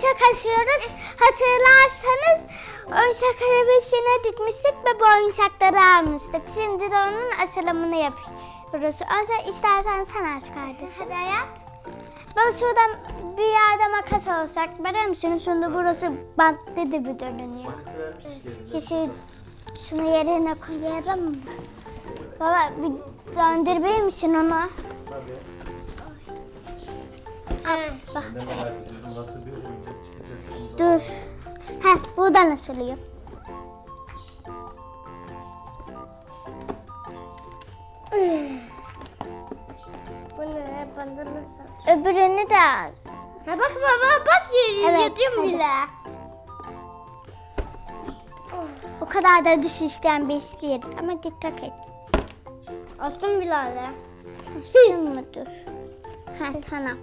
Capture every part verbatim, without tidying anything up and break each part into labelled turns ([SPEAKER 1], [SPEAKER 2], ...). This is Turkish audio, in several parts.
[SPEAKER 1] oyuncak açıyoruz. Hatırlarsanız oyuncak arabasına dikmiştik ve bu oyuncakları almıştık. Şimdi de onun açılımını yapıyoruz. O yüzden istersen sen aç kardeşim.
[SPEAKER 2] Hadi ayak.
[SPEAKER 1] Baba şuradan bir yerde makas olsak biliyor musun? Şimdi burası bantlı gibi görünüyor.
[SPEAKER 3] Makası vermiştik yerine.
[SPEAKER 1] Kişi şunu yerine koyalım mı? Baba bir döndürmeyi misin onu?
[SPEAKER 3] Tabii.
[SPEAKER 1] Bak
[SPEAKER 3] Ben de merak ediyorum nasıl bir oyuncak çıkacak şimdi.
[SPEAKER 1] dur. Heh buradan asılıyor.
[SPEAKER 2] Bunu bandırırsan.
[SPEAKER 1] Öbürünü de az.
[SPEAKER 2] Ha bak baba bak
[SPEAKER 1] Evet,
[SPEAKER 2] yatıyorum
[SPEAKER 1] hadi.
[SPEAKER 2] bile.
[SPEAKER 1] O kadar da düş isteyen bir iş değil. Ama dikkat et.
[SPEAKER 2] Astım bile öyle.
[SPEAKER 1] Asın mı dur? Ha tamam.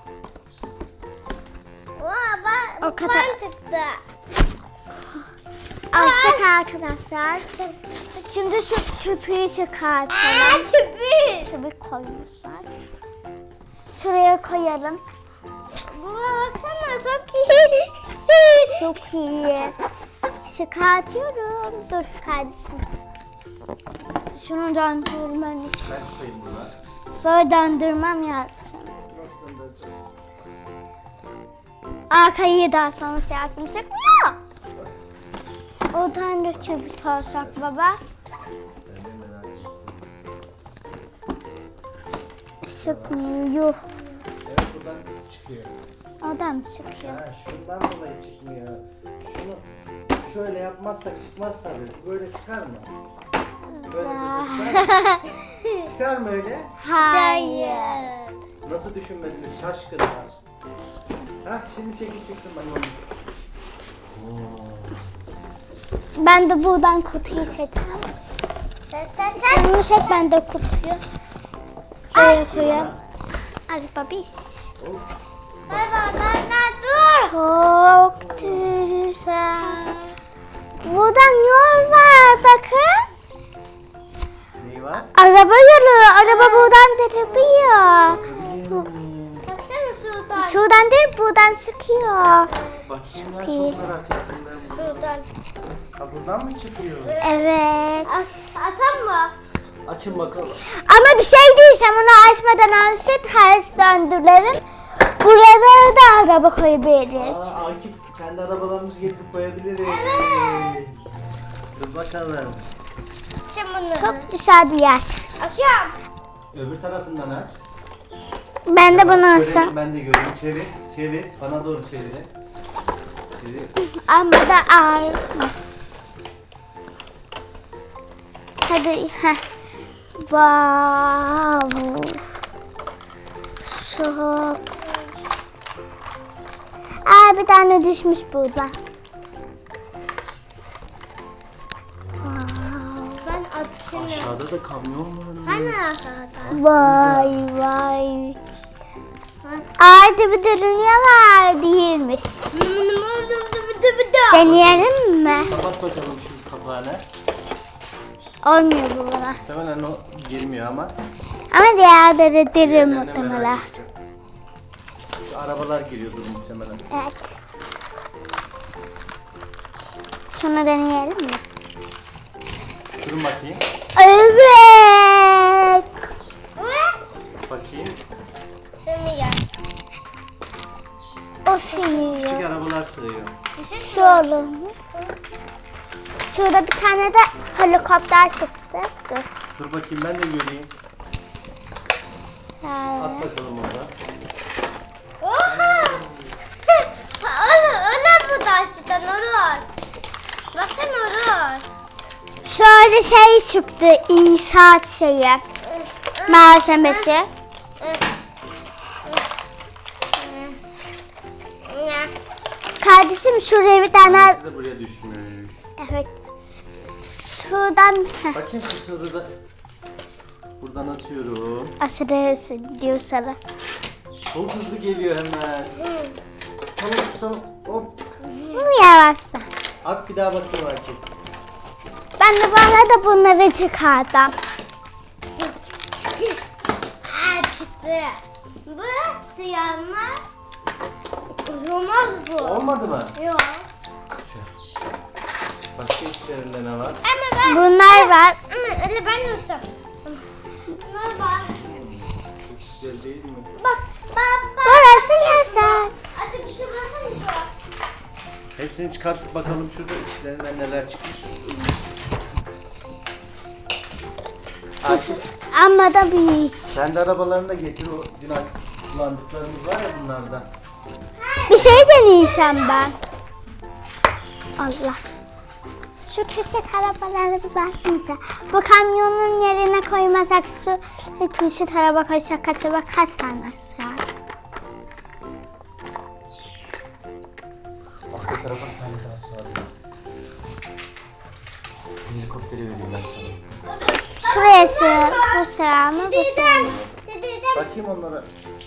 [SPEAKER 2] Vaa bak
[SPEAKER 1] O kadar.
[SPEAKER 2] ben çıktı.
[SPEAKER 1] Açtık arkadaşlar. Şimdi şu köpüğü çıkartalım.
[SPEAKER 2] Aa tüpü.
[SPEAKER 1] Köpük koymuşlar. Şuraya koyalım.
[SPEAKER 2] Baba baksana çok iyi.
[SPEAKER 1] Çok iyi. Çıkartıyorum. Dur kardeşim. Şunu döndürmem için.
[SPEAKER 3] Ben tutayım bunu.
[SPEAKER 1] Böyle döndürmem lazım.
[SPEAKER 3] Nasıl göndereceğim?
[SPEAKER 1] Arkayı da asmamız lazım. Sıkmıyor. O tane de köpük olsak baba.
[SPEAKER 3] Ben de merak ediyorum.
[SPEAKER 1] Sıkmıyor.
[SPEAKER 3] Evet buradan çıkıyor.
[SPEAKER 1] O da mı sıkıyor?
[SPEAKER 3] Ha, şundan dolayı çıkmıyor. Şunu şöyle yapmazsak çıkmaz tabii. Böyle çıkar mı? Böyle dursa çıkar mı? Çıkar mı öyle?
[SPEAKER 1] Hayır.
[SPEAKER 3] Nasıl düşünmediniz şaşkınlar. Ha şimdi çekil çıksın bana onu. Oo.
[SPEAKER 1] Ben de buradan kutuyu seçeceğim.
[SPEAKER 2] Çek çek çek.
[SPEAKER 1] Şunu çek ben de kutuyu. Şuraya koyayım. Hadi babiş.
[SPEAKER 3] Hop.
[SPEAKER 2] Baba dur dur.
[SPEAKER 1] Çok güzel. Buradan yol var bakın.
[SPEAKER 3] Neyi var?
[SPEAKER 1] Araba yolu. Araba buradan deriliyor.
[SPEAKER 2] Baksana şuradan.
[SPEAKER 1] Şuradan değil buradan sıkıyor.
[SPEAKER 3] Bakayım ben
[SPEAKER 1] iyi.
[SPEAKER 3] çok merak ettim ben bunu.
[SPEAKER 2] Şuradan.
[SPEAKER 3] Ha buradan mı çıkıyor?
[SPEAKER 1] Evet.
[SPEAKER 2] As asan mı?
[SPEAKER 3] Açın bakalım.
[SPEAKER 1] Ama bir şey diyeceğim onu açmadan önce ters döndürelim. Buralara da araba koyabiliriz.
[SPEAKER 3] Aa, Akif kendi arabalarımızı getirip koyabiliriz. Evet. Dur bakalım.
[SPEAKER 2] Şimdi bunu.
[SPEAKER 1] Çok güzel bir yer.
[SPEAKER 2] Açıyorum.
[SPEAKER 3] Öbür tarafından aç.
[SPEAKER 1] Ben de bunu
[SPEAKER 3] Görelim,
[SPEAKER 1] alsam.
[SPEAKER 3] Ben de göreyim. Çevir. Çevir. Bana doğru çevir. Çevir.
[SPEAKER 1] Ama da ağırmış. Hadi. Heh. Wow. Çok. Aa bir tane düşmüş burada.
[SPEAKER 2] Ben açıyorum.
[SPEAKER 3] Aşağıda da kamyon var.
[SPEAKER 2] Hani aşağıda?
[SPEAKER 1] Vay vay. Artı bir dünya var değilmiş. Deneyelim mi?
[SPEAKER 3] Kapat bakalım şu kapağını.
[SPEAKER 1] Olmuyor bu bana.
[SPEAKER 3] Muhtemelen o girmiyor ama.
[SPEAKER 1] Ama diğerleri derin
[SPEAKER 3] diğerlerine
[SPEAKER 1] muhtemelen.
[SPEAKER 3] merak ettim. Şu arabalar giriyordur muhtemelen.
[SPEAKER 1] Evet. Şunu deneyelim mi?
[SPEAKER 3] Durun bakayım.
[SPEAKER 1] Evet.
[SPEAKER 3] Bakayım.
[SPEAKER 2] Sığmıyor.
[SPEAKER 1] O sığıyor.
[SPEAKER 3] Küçük arabalar sığıyor.
[SPEAKER 1] Şu olur mu? Şurada bir tane de helikopter çıktı. Dur.
[SPEAKER 3] Dur bakayım ben de göreyim.
[SPEAKER 1] Şöyle.
[SPEAKER 3] At bakalım orada.
[SPEAKER 2] Oha! Olur, olur bu taştan olur. Baksana olur.
[SPEAKER 1] Şöyle şey çıktı. İnşaat şeyi. Malzemesi. Kardeşim şuraya bir tane.
[SPEAKER 3] Annesi de buraya düşmüş.
[SPEAKER 1] Evet. Şuradan heh,
[SPEAKER 3] Bakayım şu sırrı da. Buradan atıyorum.
[SPEAKER 1] aşırı diyor sana.
[SPEAKER 3] Çok hızlı geliyor hemen. Tamam tamam. Hop.
[SPEAKER 1] Bu yavaşta.
[SPEAKER 3] At bir daha bakayım Akif.
[SPEAKER 1] Ben de bana da bunları çıkardım.
[SPEAKER 2] Aa çıktı. Bu siyah mı? Olmaz bu.
[SPEAKER 3] Olmadı mı?
[SPEAKER 2] Yok.
[SPEAKER 3] Başka içlerinde ne var?
[SPEAKER 2] Ama ben...
[SPEAKER 1] Bunlar var.
[SPEAKER 2] Ama öyle ben yapacağım. Bunlar var.
[SPEAKER 3] Çok güzel değil mi?
[SPEAKER 2] Bak bak bak.
[SPEAKER 1] Burası yasak.
[SPEAKER 2] Hadi bir şey basana şu an.
[SPEAKER 3] Hepsini çıkartıp bakalım şurada içlerinden neler çıkmış. Ayşe,
[SPEAKER 1] Ama da büyük.
[SPEAKER 3] sen de arabalarını da getir. O dün kullandıklarımız var ya bunlardan.
[SPEAKER 1] Bir şey deneyeceğim ben. Allah. Şu küçük arabalara bir baksanıza. Bu kamyonun yerine koymasak şu ve küçük araba koysak acaba kaç tane sığar?
[SPEAKER 3] Arka tarafa bir tane daha sığar. Şu helikopteri vereyim ben sana.
[SPEAKER 1] Şuraya sığar. Bu sığar mı? Bu sığar mı?
[SPEAKER 2] Dedim
[SPEAKER 3] Bakayım onlara.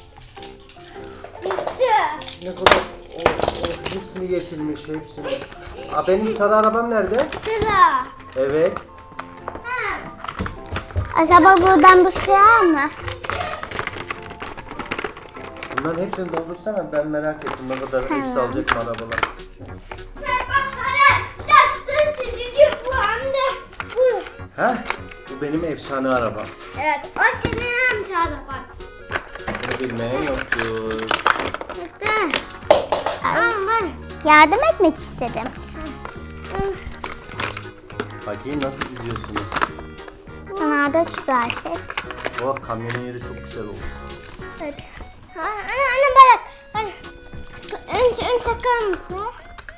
[SPEAKER 2] düştü.
[SPEAKER 3] Ne kadar o, o hepsini getirmiş hepsini. Aa, benim sarı arabam nerede?
[SPEAKER 2] Sıra.
[SPEAKER 3] Evet.
[SPEAKER 2] Ha.
[SPEAKER 1] Acaba buradan bu sığar mı?
[SPEAKER 3] Bunların hepsini doldursana, ben merak ettim ne kadar hepsi
[SPEAKER 1] Tamam.
[SPEAKER 3] alacak mı arabalar.
[SPEAKER 2] Sen bak hala. Dur şimdi diyor bu anda. Bu.
[SPEAKER 3] Heh, bu benim efsane arabam.
[SPEAKER 2] Evet o senin amcada bak.
[SPEAKER 3] Bunu bilmeyen yoktur.
[SPEAKER 1] Tamam ben yardım etmek istedim.
[SPEAKER 3] Bakayım nasıl diziyorsunuz.
[SPEAKER 1] Bana da şu dersek.
[SPEAKER 3] Oh, kamyonun yeri çok güzel oldu.
[SPEAKER 2] Evet. Ha, anne anne bırak. Bak. Önce ön takar mısın?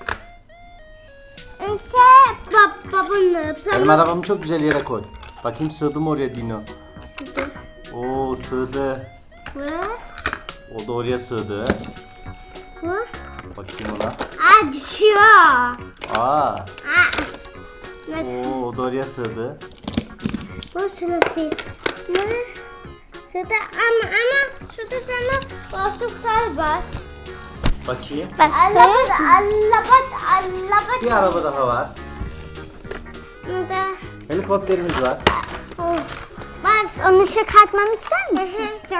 [SPEAKER 2] Önce bab babanı.
[SPEAKER 3] Benim arabamı çok güzel yere koy. Bakayım sığdı mı oraya Dino? Oo, sığdı.
[SPEAKER 2] Ve
[SPEAKER 3] O da oraya sığdı.
[SPEAKER 2] bu.
[SPEAKER 3] Bakayım ona.
[SPEAKER 2] Aa düşüyor.
[SPEAKER 3] Aa,
[SPEAKER 2] Aa. Ne?
[SPEAKER 3] oo, o da oraya sığdı.
[SPEAKER 2] Bu şurası. Ne? Şurada ama ama şurada sana boşluklar var.
[SPEAKER 3] Bakayım.
[SPEAKER 1] Başka?
[SPEAKER 2] Allabat allabat allabat.
[SPEAKER 3] Bir araba daha var.
[SPEAKER 2] Burada.
[SPEAKER 3] Helikopterimiz var.
[SPEAKER 2] Oh. Var.
[SPEAKER 1] Onu çıkartmamı ister misin?
[SPEAKER 2] Çok.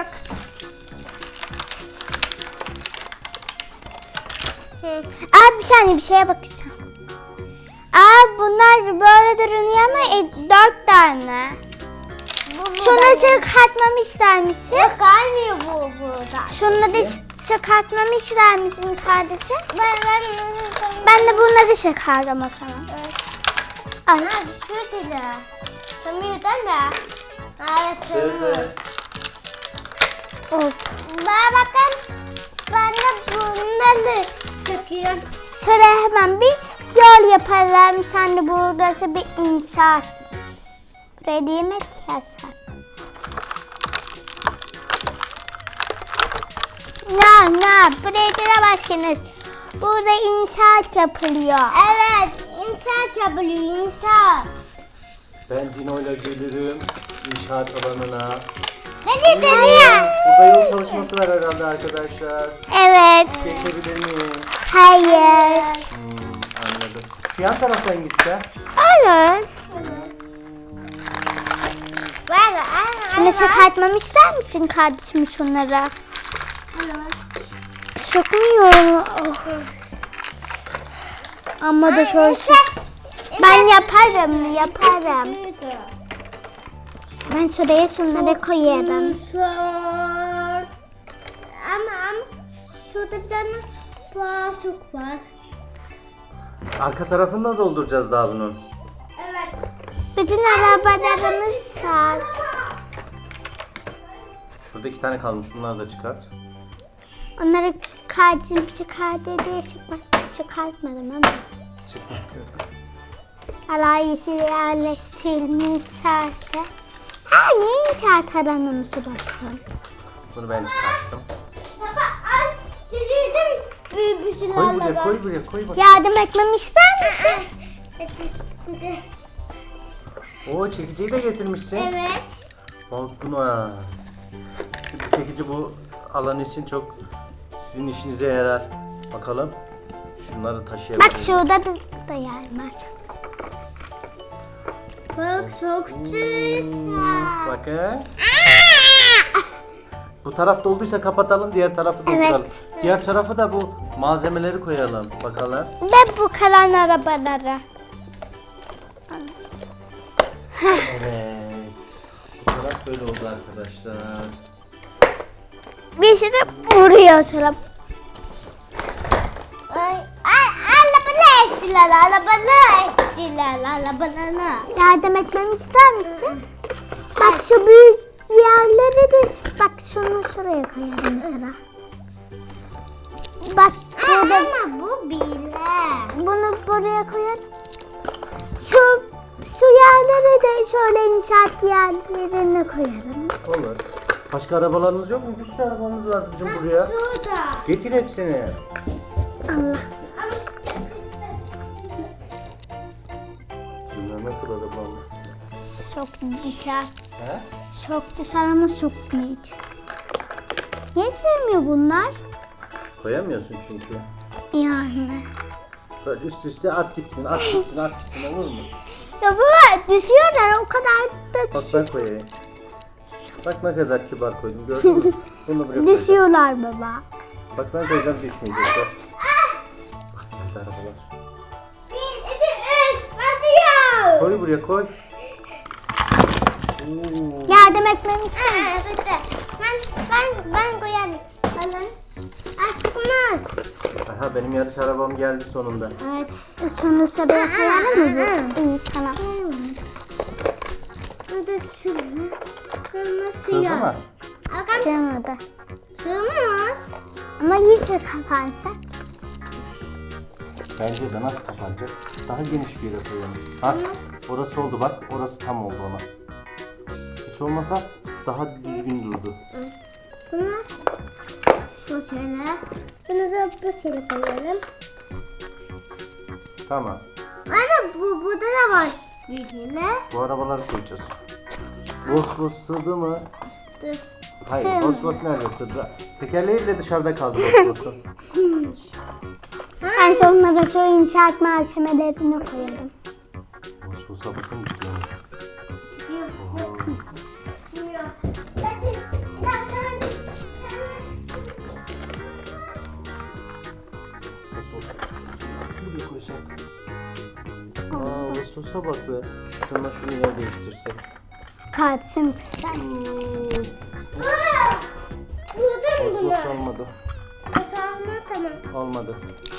[SPEAKER 2] Hı.
[SPEAKER 1] Aa bir saniye bir şeye bakacağım. Aa bunlar böyle duruyor ama e, dört tane.
[SPEAKER 2] Bu
[SPEAKER 1] Şunu çıkartmamı ister misin?
[SPEAKER 2] Yok gelmiyor bu burada.
[SPEAKER 1] Şunu da çıkartmamı ister misin kardeşim?
[SPEAKER 2] Ben ben
[SPEAKER 1] Ben de bunları çıkardım o zaman. Al.
[SPEAKER 2] Ha düşüyor dili. Sığmıyor değil mi? Hayır sığmıyor.
[SPEAKER 3] Sığdı.
[SPEAKER 1] Of.
[SPEAKER 2] Bana bakın. Ben de bunları sıkıyorum.
[SPEAKER 1] Şöyle hemen bir yol yaparım. Sen de burası bir inşaat. Buraya demek yasak. Ne ne buraya giremezsiniz. Burada inşaat yapılıyor.
[SPEAKER 2] Evet inşaat yapılıyor inşaat.
[SPEAKER 3] Ben Dino'yla gelirim inşaat alanına.
[SPEAKER 2] Ne dedi
[SPEAKER 3] Oo, burada yol çalışması var herhalde arkadaşlar.
[SPEAKER 1] Evet.
[SPEAKER 3] Geçebilir miyim?
[SPEAKER 1] Hayır.
[SPEAKER 3] Hmm, anladım. Şu yan taraftan gitse.
[SPEAKER 1] Olur.
[SPEAKER 2] Ver
[SPEAKER 1] Şunu çıkartmamı ister misin kardeşim şunlara? Çıkmıyor. Oh. Ama da şöyle ben yaparım, yaparım. Ben şuraya şunları koyarım.
[SPEAKER 2] Sor. Ama ama şurada bir tane boşluk var.
[SPEAKER 3] Arka tarafını da dolduracağız daha bunun.
[SPEAKER 2] Evet.
[SPEAKER 1] Bütün arabalarımız var.
[SPEAKER 3] Şurada iki tane kalmış. Bunları da çıkart.
[SPEAKER 1] Onları kardeşim çıkardı diye çıkma- çıkartmadım ama.
[SPEAKER 3] Çıkma.
[SPEAKER 1] Alayisi yerleştirilmiş serse. Her ne inşaat alanımızı bakalım.
[SPEAKER 3] Bunu ben çıkarttım.
[SPEAKER 2] Baba az dedim. Büyük bir şey
[SPEAKER 3] Koy buraya, koy buraya, koy bak.
[SPEAKER 1] Yardım etmemi ister misin?
[SPEAKER 3] Oo, çekiciyi de getirmişsin.
[SPEAKER 2] Evet.
[SPEAKER 3] Bak buna. Bu çekici bu alan için çok sizin işinize yarar. Bakalım. Şunları taşıyabilirim.
[SPEAKER 1] Bak şurada da, da yer var.
[SPEAKER 2] Bak çok güzel.
[SPEAKER 3] Bakın. Bu taraf dolduysa kapatalım, diğer tarafı dolduralım.
[SPEAKER 1] Evet.
[SPEAKER 3] Diğer tarafı da bu malzemeleri koyalım bakalım.
[SPEAKER 1] Ve bu kalan arabaları.
[SPEAKER 3] Evet. Bu taraf böyle oldu arkadaşlar.
[SPEAKER 1] Bir şey de buraya asalım.
[SPEAKER 2] Ay, ay, arabalar estiler, arabalar estiler, arabalar.
[SPEAKER 1] Yardım etmemi ister misin? Bak şu büyük yerleri de bak şunu şuraya koyalım mesela. Bak burada
[SPEAKER 2] Ama bu bile.
[SPEAKER 1] bunu buraya koyalım. Şu şu yerlere de şöyle inşaat yerlerine koyalım.
[SPEAKER 3] Olur. Başka arabalarımız yok mu? Bir sürü arabamız var bizim buraya.
[SPEAKER 2] Şurada.
[SPEAKER 3] Getir hepsini.
[SPEAKER 1] Allah.
[SPEAKER 3] Şunlar nasıl arabam?
[SPEAKER 1] Çok güzel.
[SPEAKER 3] He?
[SPEAKER 1] Çok güzel ama çok büyük. Niye sevmiyor bunlar?
[SPEAKER 3] Koyamıyorsun çünkü.
[SPEAKER 1] Yani.
[SPEAKER 3] Böyle üst üste at gitsin, at gitsin, at gitsin, olur mu?
[SPEAKER 1] Ya baba düşüyorlar o kadar da
[SPEAKER 3] Bak ben koyayım. Bak ne kadar kibar koydum, gördün mü? Bunu buraya koyacağım.
[SPEAKER 1] düşüyorlar baba.
[SPEAKER 3] Bak ben koyacağım, düşmeyecekler. Bak geldi arabalar.
[SPEAKER 2] Bir, iki, üç, başlıyor.
[SPEAKER 3] Koy buraya, koy. Oo.
[SPEAKER 1] Yardım etmemi ister misin?
[SPEAKER 2] Aa, bitti. Ben, ben, ben koyalım. Alın. Aşkımız.
[SPEAKER 3] Aha benim yarış arabam geldi sonunda.
[SPEAKER 2] Evet.
[SPEAKER 1] Şunu şuraya koyalım mı bu? İyi tamam.
[SPEAKER 2] Burada şunu. Kırmızı
[SPEAKER 3] Sığdı
[SPEAKER 2] ya.
[SPEAKER 3] mı?
[SPEAKER 2] Bakın.
[SPEAKER 1] Sığmadı.
[SPEAKER 2] Sığmaz.
[SPEAKER 1] Ama iyice kapansa.
[SPEAKER 3] Bence de nasıl kapanacak? Daha geniş bir yere koyalım. Ha, orası oldu bak, orası tam oldu ona. Hiç olmasa daha düzgün durdu.
[SPEAKER 2] Bunu bu şöyle. Bunu da bu şöyle koyalım.
[SPEAKER 3] Tamam.
[SPEAKER 2] Ama bu burada da var bilgiyle.
[SPEAKER 3] Bu arabaları koyacağız. Vos vos sığdı mı? Hayır,
[SPEAKER 1] Sığmadı.
[SPEAKER 3] vos vos nerede sığdı? Tekerleği bile dışarıda kaldı vos vosun.
[SPEAKER 1] Ben sonlara şu inşaat malzemelerini koyalım.
[SPEAKER 3] Vos vosa bakın gidiyor. Vos vos. Buraya koysak. Aa vos vosa bak be. Şuna şunu yer değiştirsek.
[SPEAKER 1] Kaçsın güzel.
[SPEAKER 2] Buldum
[SPEAKER 3] Vos
[SPEAKER 2] bunu.
[SPEAKER 3] vos olmadı.
[SPEAKER 2] Basarma tamam.
[SPEAKER 3] Olmadı.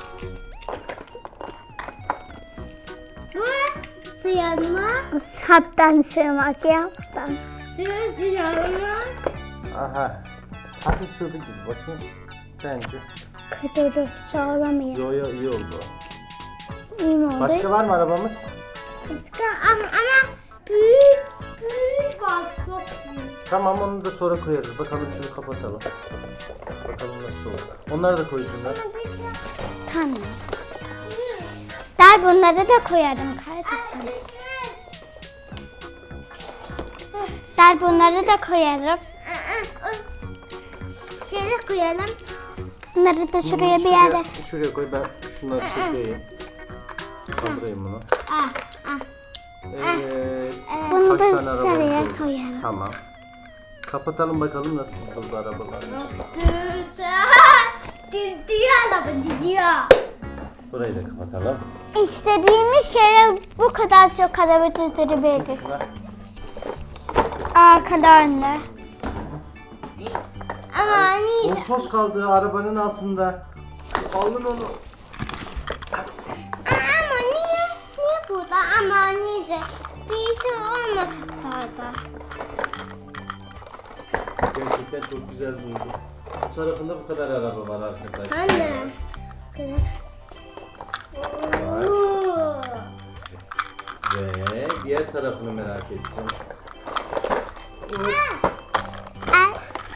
[SPEAKER 2] Bu sıyarma.
[SPEAKER 1] Bu saptan sığmaz yaptan.
[SPEAKER 2] Bu sıyarma.
[SPEAKER 3] Aha. Hadi sığdı gibi bakayım. Bence.
[SPEAKER 1] Kıdırır soğuramayız.
[SPEAKER 3] Yo yo iyi oldu.
[SPEAKER 1] İyi mi oldu?
[SPEAKER 3] Başka var mı arabamız?
[SPEAKER 2] Başka ama ama büyük büyük var çok büyük.
[SPEAKER 3] Tamam onu da sonra koyarız. Bakalım şunu kapatalım. Bakalım nasıl olur. Onları da koysunlar.
[SPEAKER 1] Tamam. Der bunları da koyarım kardeşim. Der bunları da koyarım.
[SPEAKER 2] Şöyle koyalım.
[SPEAKER 1] Bunları da şuraya bir yere.
[SPEAKER 3] Şuraya koy ben şunları çekeyim. Kaldırayım bunu.
[SPEAKER 2] Ah ah.
[SPEAKER 3] Evet.
[SPEAKER 1] Bunu
[SPEAKER 3] Kaç
[SPEAKER 1] da
[SPEAKER 3] tane arabamız
[SPEAKER 1] şuraya
[SPEAKER 3] oldu?
[SPEAKER 1] koyalım.
[SPEAKER 3] Tamam. Kapatalım bakalım nasıl oldu arabalar.
[SPEAKER 2] Dursa. Diziyor araba diziyor.
[SPEAKER 3] Burayı da kapatalım.
[SPEAKER 1] İstediğimiz yere bu kadar çok araba durdurabiliriz.
[SPEAKER 3] Şuna.
[SPEAKER 1] Arkada önde.
[SPEAKER 2] Ama hani
[SPEAKER 3] Vos vos kaldı arabanın altında. Alın onu.
[SPEAKER 2] ama niye niye burada ama neyse birisi olmasın orada.
[SPEAKER 3] Gerçekten çok güzel buldu. Bu tarafında bu kadar araba var arkadaşlar.
[SPEAKER 2] Anne.
[SPEAKER 3] Var.
[SPEAKER 2] Oo.
[SPEAKER 3] Ve diğer tarafını merak ettim.
[SPEAKER 1] Ay,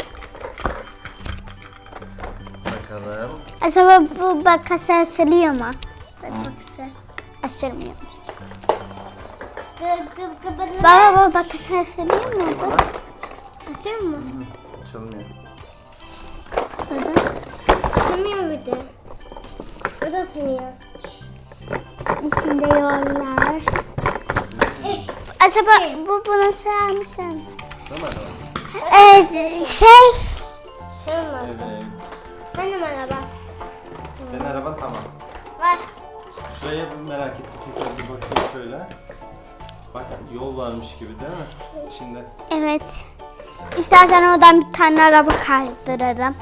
[SPEAKER 3] Bakalım.
[SPEAKER 1] acaba bu bakası asılıyor mu? Bakası asılmıyor.
[SPEAKER 2] Gı gı gı
[SPEAKER 1] Baba bu bakası asılıyor mu? Bu?
[SPEAKER 2] Açıyor mu?
[SPEAKER 3] Açılmıyor.
[SPEAKER 1] Burada.
[SPEAKER 2] Sığmıyor bir de. Bu da sığmıyor.
[SPEAKER 1] İçinde yollar. Acaba bu bunu sığar mı sığmaz?
[SPEAKER 3] Tamam.
[SPEAKER 1] Ee, şey
[SPEAKER 2] Benim araba.
[SPEAKER 3] Senin araban tamam.
[SPEAKER 2] Var.
[SPEAKER 3] Şuraya bir merak ettim. Tekrar bir bakayım şöyle. Bak yol varmış gibi değil mi? İçinde.
[SPEAKER 1] Evet. İstersen oradan bir tane araba kaydırırım.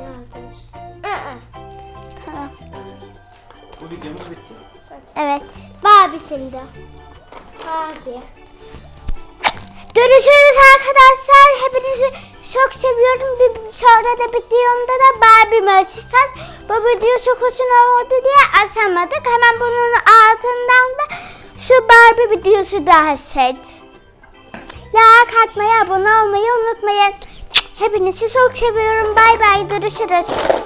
[SPEAKER 1] Tamam.
[SPEAKER 3] Bu videomuz bitti.
[SPEAKER 1] Evet.
[SPEAKER 2] Barbie şimdi. Barbie.
[SPEAKER 1] Görüşürüz arkadaşlar. Hepinizi çok seviyorum. Bir sonra da videomda da Barbie'mi açacağız. Bu video çok uzun oldu diye açamadık. Hemen bunun altından da şu Barbie videosu daha seç. Like atmayı, abone olmayı unutmayın. Hepinizi çok seviyorum. Bay bay. Görüşürüz.